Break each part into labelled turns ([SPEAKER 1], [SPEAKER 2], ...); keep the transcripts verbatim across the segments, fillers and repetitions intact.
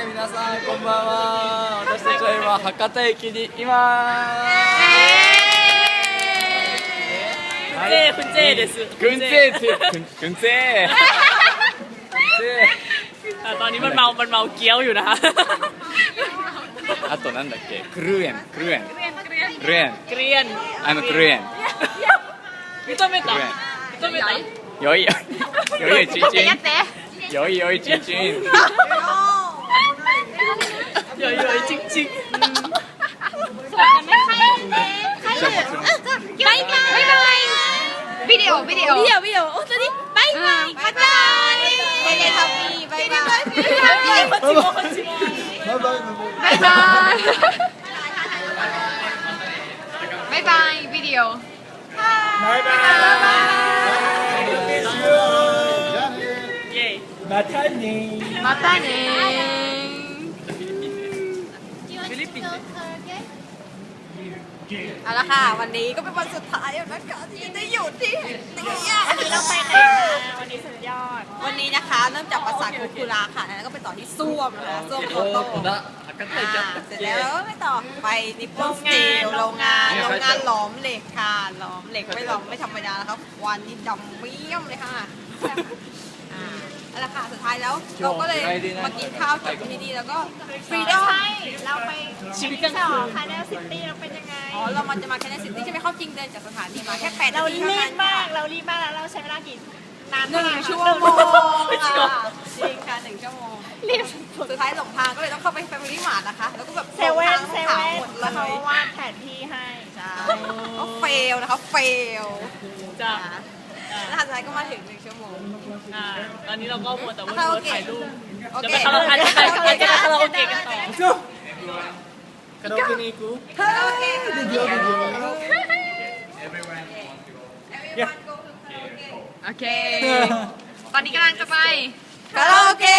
[SPEAKER 1] はい皆さんこんばんは。私たちは今博多駅にいます。
[SPEAKER 2] คุณเจ้です
[SPEAKER 1] คุณเจ้คุณคุณเจ้
[SPEAKER 2] ตอนนี้มันเมามันเมาเกี้ยวอยู่นะคะ
[SPEAKER 1] あとなんだっけクルーエンクルーエンクルーエン
[SPEAKER 2] เกรียน
[SPEAKER 1] I'm a クルーエン
[SPEAKER 2] 認めた認めた
[SPEAKER 1] よいよいよいチンチンよいよいチンチン
[SPEAKER 2] よいよいจริงจริง
[SPEAKER 3] バイバイバイバイビデオビデオビデオビデオ本当にバイバイバイバイテレタビバイバイ
[SPEAKER 2] こっちもこっちも
[SPEAKER 3] バイバイバイバイバイビデオ
[SPEAKER 1] バイバ
[SPEAKER 2] イエイ
[SPEAKER 1] またね
[SPEAKER 3] またね
[SPEAKER 2] ฟิลิปปินส์
[SPEAKER 3] เอาละค่ะวันนี้ก็เป็นวันสุดท้ายแล้วนะคะที่ได้อยู่ที่นี่วันนี้เราไปไหนมาวันนี้สุดยอดวันนี้นะคะเริ่มจากปราสาทคุคุระค่ะแล้วก็ไปต่อที่ซ่วมนะคะซ่วมโตโต้เสร็จแล้วไปต่อไปนิปปอนสตีลโรงงานโรงงานหลอมเหล็กค่ะหลอมเหล็กไม่หลอมไม่ธรรมดาแล้วครับวันนี้ดำเมี่ยมเลยค่ะเอาละค่ะสุดท้ายแล้วเราก็เลยมากินข้าวจากที่นี่แล้วก็ฟรีดอมเราไป
[SPEAKER 2] ชีวิตกัน
[SPEAKER 3] ต่อคาเนลซิตี้เราเป็นยังไงอ๋อเรามันจะมาแคเนลซิตี้ใช่ไหมเข้าจริงเดินจากสถานีมาแค่แปดนา
[SPEAKER 4] เรา
[SPEAKER 3] ที
[SPEAKER 4] รี
[SPEAKER 3] เท่า
[SPEAKER 4] บ
[SPEAKER 3] นั้น
[SPEAKER 4] มากเรารีบมากแล้วเราใช้เวลากี่นาน
[SPEAKER 3] หนึ่ง
[SPEAKER 4] มาก
[SPEAKER 3] ชั่วโมงค่ะจริงค่ะหนึ่งชั่วโมง
[SPEAKER 4] รีบ
[SPEAKER 3] สุดท้ายหลงทางก็เลยต้องเข้าไปแฟมิลี่มาร์ทนะคะแล้วก็แบบ
[SPEAKER 4] เซเว่นเซ
[SPEAKER 3] หลงทาง
[SPEAKER 4] เว่น
[SPEAKER 3] หมดเล
[SPEAKER 4] แล้วเขา
[SPEAKER 3] ย
[SPEAKER 4] วาดแผนที่ให้
[SPEAKER 3] ใช่ก็เฟลนะคะเฟล
[SPEAKER 2] จ้ะ
[SPEAKER 3] แล้วสุดท้ายก็มาถึงหนึ่งชั่วโมง
[SPEAKER 2] อ่าตอนนี้เราก็มัวแต่ว่า
[SPEAKER 3] คาราโอ
[SPEAKER 2] ถ่า
[SPEAKER 3] เกะ
[SPEAKER 2] ยรูป
[SPEAKER 3] โอ
[SPEAKER 2] จะ
[SPEAKER 3] เค
[SPEAKER 2] ไปคาราโอเกะจะไปจะไปคาราโอเกะกันต่อ
[SPEAKER 1] カラオケに行く
[SPEAKER 3] คาราโอเกะโอเค ตอนนี้กำลังจะไปคาราโอเกะ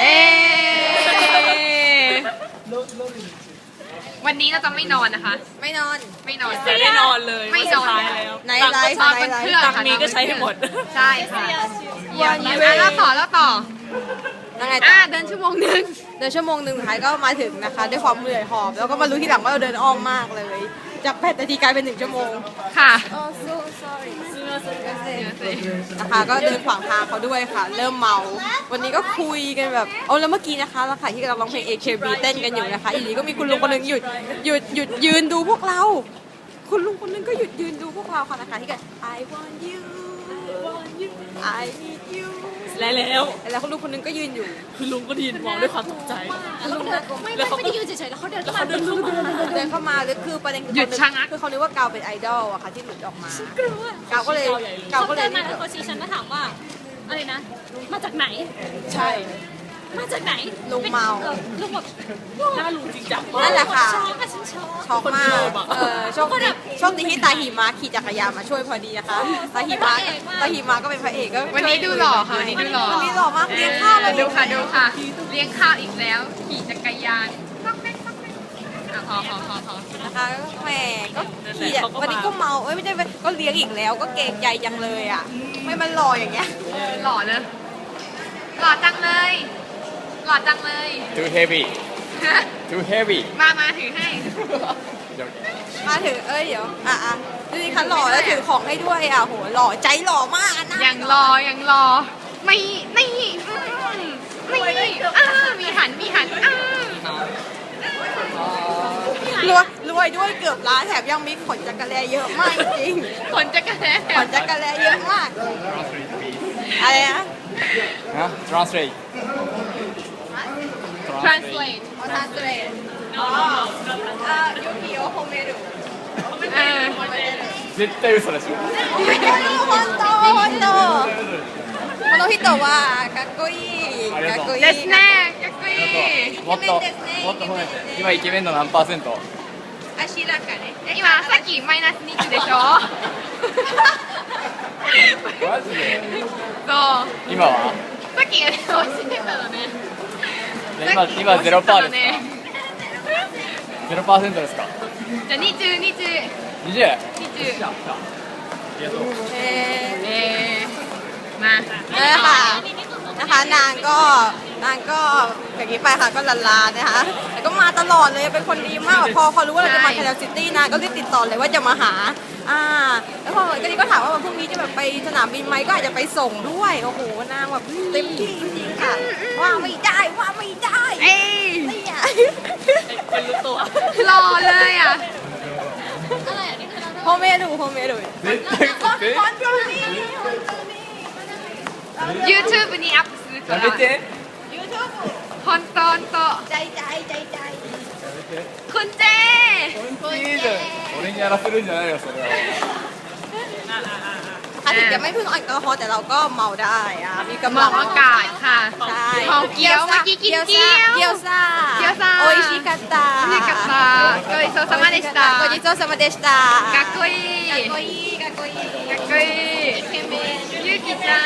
[SPEAKER 3] วันนี้เราจะไม่นอนนะคะ ไม่นอน ไม่นอน
[SPEAKER 2] จะได้นอนเลย
[SPEAKER 3] ไม่นอน
[SPEAKER 2] สุดท้ายแล้ว
[SPEAKER 3] ไหนไลฟ์
[SPEAKER 2] ตังค์
[SPEAKER 3] ไหนไลฟ์
[SPEAKER 2] ตังค์นี้ก็ใช้ให้หมด
[SPEAKER 3] ใช่ค่ะวันนี้แล้วต่อแล้วต่อยังไงต่อเดินชั่วโมงหนึ่งเดินชั่วโมงหนึ่งสุดท้ายก็มาถึงนะคะด้วยความเหนื่อยหอบแล้วก็มารู้ทีหลังว่าเราเดินอ้อมมากเลย จากแปดนาทีกลายเป็นหนึ่งชั่วโมงค่ะนะคะก็เดินขวางทางเขาด้วยค่ะ เริ่มเมาวันนี้ก็คุยกันแบบเอาแล้วเมื่อกี้นะคะเราขายที่กำลังร้องเพลง เอ เค บี เต้นกันอยู่นะคะอีกทีก็มีคุณลุงคนหนึงหยุดหยุดหยุดยืนดูพวกเรา คุณลุงคนนึงก็หยุดยืนดูพวกเราค่ะนะคะที่กัน I want you I need you
[SPEAKER 2] แล้วแล้ว
[SPEAKER 3] แล้วคุณลุงคนนึงก็ยืนอยู่
[SPEAKER 2] คือลุงก็ดีนมองด้วยความตกใจ
[SPEAKER 3] ลุงน่ากลัว
[SPEAKER 4] ไม่
[SPEAKER 2] แล้วเขา
[SPEAKER 4] ไม่
[SPEAKER 2] ก็
[SPEAKER 4] ได้ยืนเฉยๆแล้วเขาเดิน
[SPEAKER 2] แล้ว
[SPEAKER 4] เข้า
[SPEAKER 2] เขา
[SPEAKER 4] มา
[SPEAKER 2] เดินเข้ามา
[SPEAKER 3] เดินเข้ามาแล้วคือประเด็นคือ
[SPEAKER 2] หยุดชะงัก
[SPEAKER 3] คือเขานึกว่ากาวเป็นไอดอลอะค่ะที่หลุดออกมาก
[SPEAKER 4] ลัว
[SPEAKER 3] กาวก็เลยกาว
[SPEAKER 4] เขา
[SPEAKER 3] ก็เล
[SPEAKER 4] เดิ
[SPEAKER 3] ย
[SPEAKER 4] นมาแล้วเขาชี้ฉันมาถามว่าอะไรนะ มาจากไหน
[SPEAKER 3] ใช่
[SPEAKER 4] มาจากไหน
[SPEAKER 3] ลุงเมา
[SPEAKER 4] ออลุงแบบ
[SPEAKER 2] หน้าลุงจริงจัง
[SPEAKER 3] นั่นแหละค่ะ
[SPEAKER 4] ช็อกอะฉันช็อก
[SPEAKER 3] ช็อกมากเออโชคดีโชคดีที่ตาหิมะขี่จักรยานมาช่วยพอดีนะคะตาหิมะตาหิมะก็เป็นพระเอกก็
[SPEAKER 5] วันนี้ดูหล่อค่ะวันนี้ดูหล่อ
[SPEAKER 3] วันนี้หล่อมากเลี้ยงข้าวเลย
[SPEAKER 5] ดูค่ะดูค่ะ เลี้ยงข้าวอีกแล้ว ขี่จักรยานต้องเล่นต้องเล่นอ่ะพอพอพอพอ
[SPEAKER 3] นะคะแหมก็ขี่อะวันนี้ก็เมาเอ้ยไม่ใช่ก็เลี้ยงอีกแล้วก็เกรงใจจังเลยอ่ะไม่มันหล่ออย่างเงี้ย
[SPEAKER 5] หล่อเลย หล่อจังเลย หล่อจังเลย
[SPEAKER 1] Too heavy Too heavy
[SPEAKER 5] มามาถือให้
[SPEAKER 3] มาถึงเอ้ยเดี๋ยวอ่ะอ่ะดูดิคะหล่อแล้วถือของให้ด้วยอ่ะโหหล่อใจหล่อมากอ่ะนะ
[SPEAKER 5] ยังรอยังรอ ไม่นี่อืมนี่อ่ามีหันมีหันอ่าร
[SPEAKER 3] วยรวยด้วยเกือบล้านแถมยังมีขนจักรแลเยอะมากจริง
[SPEAKER 5] ขนจักรแล
[SPEAKER 3] ขนจักรแลเยอะมากอะไรนะ
[SPEAKER 1] ฮะ translate
[SPEAKER 5] translate
[SPEAKER 3] ขอทานสเตรทอ๋อเอ่อยูกิโอโฮเมรุ
[SPEAKER 5] เออ
[SPEAKER 1] 絶対嘘でしょ
[SPEAKER 3] 本当本当この人はかっこいいかっこいい
[SPEAKER 5] ですねかっこいい
[SPEAKER 1] もっともっと褒めて今イケメンの何パーセント
[SPEAKER 3] あしらかね
[SPEAKER 5] 今さっきマイナスにでしょ
[SPEAKER 1] マジで
[SPEAKER 5] そう
[SPEAKER 1] 今は
[SPEAKER 5] さっき教えてたのね
[SPEAKER 1] 今今ゼロパーですか
[SPEAKER 5] ね
[SPEAKER 1] ゼロパーセントですか
[SPEAKER 5] じゃあにじゅう、にじゅう、
[SPEAKER 1] にじゅう
[SPEAKER 5] にじゅう
[SPEAKER 3] เออ
[SPEAKER 5] えー、まあ
[SPEAKER 3] นั่นแหละค่ะนะคะนางก็นางก็อย่างนี้ไปค่ะก็ลาลานะคะแต่ก็มาตลอดเลยเป็นคนดีมากพอพอรู้ว่าเราจะมาแคนาดาซิตี้นางก็รีบติดต่อเลยว่าจะมาหาอ่าแล้วพอก็นี่ก็ถามว่าวันพรุ่งนี้จะแบบไปสนามบินไหมก็อาจจะไปส่งด้วยโอ้โหนางแบบเต็มที่จริงๆค่ะว่าไม่ได้ว่าไม่ได้
[SPEAKER 5] เอ้ย
[SPEAKER 3] เนี่ย
[SPEAKER 2] เป็นรู้ตัว
[SPEAKER 5] หล่อเลยอ่ะ
[SPEAKER 3] โฮเมดูโฮเมดู
[SPEAKER 5] YouTube にアップするか
[SPEAKER 1] や
[SPEAKER 5] ら
[SPEAKER 1] めて
[SPEAKER 3] ยูทูบ
[SPEAKER 5] 本当本当
[SPEAKER 3] ใจใจใจใจ
[SPEAKER 5] คุณเจ
[SPEAKER 1] いいじゃん俺にやらせるんじゃないよそれは
[SPEAKER 3] ค่ะถึงจะไม่พึ่งแอลกอฮอล์แต่เราก็เมาได้อะมีกำ
[SPEAKER 5] ม
[SPEAKER 3] ลั
[SPEAKER 5] อง งอากาศค่ะ
[SPEAKER 3] ใช่
[SPEAKER 5] ของเกี๊ยวเมื่อกี้กินเกี๊ยว
[SPEAKER 3] เกี๊ยวซ่า
[SPEAKER 5] เกี๊ยวซ่า
[SPEAKER 3] โออิชิกัตตา
[SPEAKER 5] 美味しかったごちそうさまでした
[SPEAKER 3] ごちそうさまでした
[SPEAKER 5] かっこいい
[SPEAKER 3] かっこいいかっこいい
[SPEAKER 5] かっこいいゆうきちゃん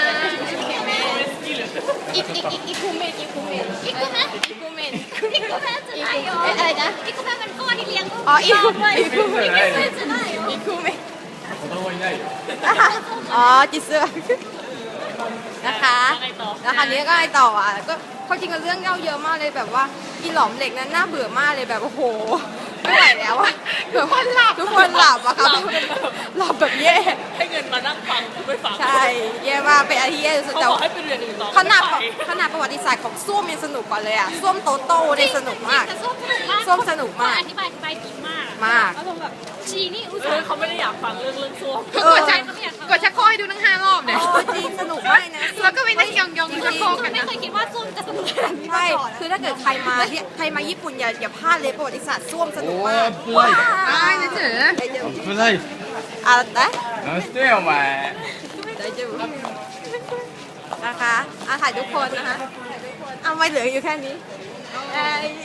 [SPEAKER 3] อีกอีกอีกอีกคูเมนอีกคูเมน
[SPEAKER 4] อีกคู่ไหม
[SPEAKER 3] อีกคูเมน
[SPEAKER 4] อีกคู่ไหมจะได้เหรอ
[SPEAKER 3] เอ๊ะอะไรนะ
[SPEAKER 4] อีกคู่ไหมเป็นก้อนที่เลี้ยง
[SPEAKER 3] อ๋ออีก
[SPEAKER 4] ชบด้วย
[SPEAKER 3] อีกคู่เมน
[SPEAKER 4] อีกคู่ไหมจะได้เหรอ
[SPEAKER 3] อีกคูเมน
[SPEAKER 1] 子供いないよ
[SPEAKER 3] อ๋อจิเซอร์นะคะแล้วคราวนี้ก็ไอต่ออ่ะก็เขาจริงกันเรื่องเล่าเยอะมากเลยแบบว่าอีหลอมเหล็กนั้นน่าเบื่อมากเลยแบบโอ้โหไม่ไหวแล้วอะแบบคนหลับทุกคนหลับอะค่ะหลับแบบแย่
[SPEAKER 2] ให้เงินมานั่งฟังกูไม่ฟัง
[SPEAKER 3] ใช่แย่มากเป็นอาทิตย์แย่สุด
[SPEAKER 2] เขา
[SPEAKER 3] แต่
[SPEAKER 2] บอกให้ไปเรียนอื่นต่อ
[SPEAKER 3] ขนาด
[SPEAKER 2] ไม่ไป
[SPEAKER 3] ขนาดประวัติศาสตร์ของส้วมยังสนุกกว่าเลยอะส้วมโตโต้เนี่ยสนุกมาก
[SPEAKER 4] แต่ส้มสนุกมาก
[SPEAKER 3] ส้มสนุกมาก
[SPEAKER 4] อธิบายอธิบายดีมาก
[SPEAKER 3] มาก
[SPEAKER 4] แล้วผมแบบชีนี่อุต
[SPEAKER 2] เอ
[SPEAKER 4] ส่า
[SPEAKER 2] อ
[SPEAKER 4] ห์
[SPEAKER 2] เขาไม่ได้อยากฟังเรื่องเรื่องส้วม
[SPEAKER 5] กดชักกดชักโครกให้ดูทั้งห้ารอบเนี่ย
[SPEAKER 3] โอ้จริงสนุกมากนะ
[SPEAKER 5] แล้วก็ไปนั่งยองๆชักโครกกัน
[SPEAKER 4] ไม่
[SPEAKER 5] นะ
[SPEAKER 4] เคยคิดว่าส้มจะสนุกขนาดนี้มา
[SPEAKER 3] ใช่
[SPEAKER 4] ก่อน
[SPEAKER 3] คือถ้าเกิดใครมาที่ใครมาญี่ปุ่นอย่าอย่าพลาดเลยประวัติศาสตร์ส้วมสนุก
[SPEAKER 1] お
[SPEAKER 3] มาก
[SPEAKER 1] ー危ない
[SPEAKER 5] อ้ายเฉย
[SPEAKER 1] 危ない
[SPEAKER 3] อะไรนะ
[SPEAKER 1] 何してんよお前
[SPEAKER 3] ได้จูนะคะอาถ่ายทุกคนนะคะเอาไม่เหลืออยู่แค่นี้เอ้ย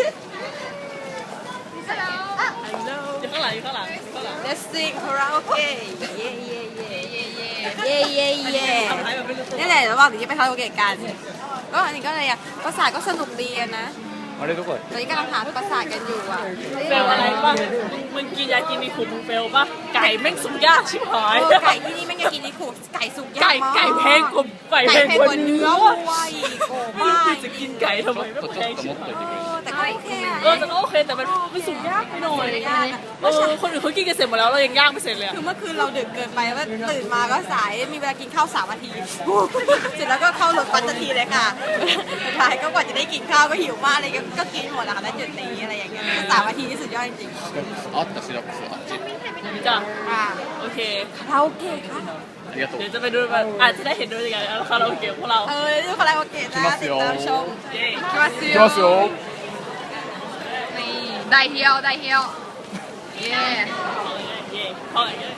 [SPEAKER 2] อยู่ข้างหลังอยู่ข้างหลังอยู่ข้างหลัง
[SPEAKER 3] Let's sing karaoke เย่เย่เย่เย่เย่เย่เย่
[SPEAKER 2] ทำท้ายแบบไม่รู้ตัว
[SPEAKER 3] นี่แหละระหว่างที่ไปคาราโอเกะกันก็อันนี้ก็อะไรอ่ะประสาทก็สนุกดีอะนะ
[SPEAKER 1] あれどこだ
[SPEAKER 3] ตอนนี้กำลังหาประสาทกันอยู่อ่ะ
[SPEAKER 2] เฟลอะไรบ้างมึงกินยากินมีขุมมึงเฟลป่ะไก่แม่งสุกยากชิบหาย
[SPEAKER 3] เออไก่ที่นี่ไม่งอยากกินนี่ขู่ไก่สุกยา
[SPEAKER 2] ไก่
[SPEAKER 3] กมาก
[SPEAKER 2] ไก่แพงกว่าไก่
[SPEAKER 3] ไก่
[SPEAKER 2] แพง
[SPEAKER 3] แพง
[SPEAKER 2] ก
[SPEAKER 3] ก
[SPEAKER 2] ว่า
[SPEAKER 3] ว่า
[SPEAKER 2] เนื้
[SPEAKER 3] เนื้
[SPEAKER 2] อ
[SPEAKER 3] อ
[SPEAKER 2] ว่ะ
[SPEAKER 3] วัวอีกโอ้
[SPEAKER 2] ไม่รู้
[SPEAKER 3] ไม่
[SPEAKER 2] กูจะกินไก่ทำไม
[SPEAKER 1] ちょ
[SPEAKER 2] ไม่
[SPEAKER 1] っと
[SPEAKER 2] แพง
[SPEAKER 1] ちょっと
[SPEAKER 2] ชิบ
[SPEAKER 1] もっ
[SPEAKER 2] หาย
[SPEAKER 1] といてくれ
[SPEAKER 3] แต่ก็โอเคอะ
[SPEAKER 2] เออแต่ก็โอเคแต่มันมันสุกยากไปหน่อยเออคนอื่นเขากินกันเสร็จหมดแล้วเรายังย่างไม่เสร็จเลยอะ
[SPEAKER 3] คือเมื่อคืนเราดึกเกินไปว่าตื่นมาก็สายมีเวลากินข้าวสามนาที เสร็จแล้วก็เข้ารถปันนาทีเลยค่ะสุดท้ายก็กว่าจะได้กินข้าวก็หิวมากเลยก็ก็กินหมดแล้วค่ะแล้วจุดนี้อะไรอย่างเงี้ยก็สามนาทีนี่สุดยอดจริง
[SPEAKER 1] あったシラップスあっち
[SPEAKER 2] จ้ะ
[SPEAKER 3] ๆค่ะ
[SPEAKER 2] โอเค
[SPEAKER 3] คาราโอเกะค่ะ
[SPEAKER 1] ありがとう
[SPEAKER 2] เดี๋ยวจะไปดูมันอาจจะได้เห็นด้วยกันแล้วคาราโอเกะพวกเรา
[SPEAKER 3] เออดูคาราโอเกะนะติดตามชม
[SPEAKER 2] เย้
[SPEAKER 5] ๆมาซิ
[SPEAKER 1] いきますよ
[SPEAKER 5] นี่ได้เฮียวได้เฮียวเย้
[SPEAKER 2] เย้เข้าอย่างเงี้ย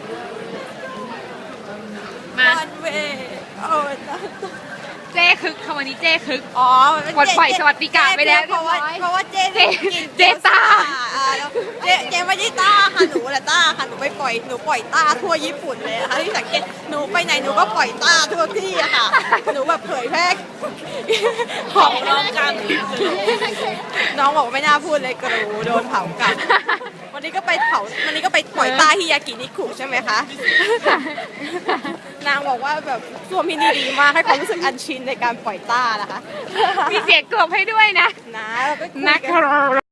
[SPEAKER 5] มา
[SPEAKER 3] วันเวโอ้ย
[SPEAKER 5] เจ้คึกค่ะวันนี้เจ้คึก
[SPEAKER 3] อ๋อ
[SPEAKER 5] ปลดปล่อยสวัสดิการไปแล้ว
[SPEAKER 3] เพราะว่า
[SPEAKER 5] เรียบร้อย
[SPEAKER 3] เพราะว่าเจ๊
[SPEAKER 5] เจ๊
[SPEAKER 3] กิน
[SPEAKER 5] เจ๊ต้า
[SPEAKER 3] อ่าแล้วเจ๊เจ๊ไม่ได้ต้าค่ะหนูแหละต้าค่ะหนูไปปล่อยหนูปล่อยต้าทั่วญี่ปุ่นเลยนะคะที่สังเกตหนูไปไหนหนูก็ปล่อยต้าทั่วที่อะค่ะหนูแบบเผยแพร่ข
[SPEAKER 2] ข
[SPEAKER 3] อ
[SPEAKER 2] อง งน้องกลางคลิปเลย
[SPEAKER 3] น้องบอกว่าไม่น่าพูดเลยกรูโดนเผากลับ วันนี้ก็ไปเผาวันนี้ก็ไปปล่อยต้าฮิยากินิคุใช่ไหมคะ นางบอกว่าแบบส่วนพี่นี่ดีมากให้ความรู้สึกอันชินในการปล่อยต้านะคะ
[SPEAKER 5] มีเสียงกลบให้ด้วยนะ
[SPEAKER 3] นะเราก็คุย
[SPEAKER 5] นะ
[SPEAKER 3] กั
[SPEAKER 5] ครับ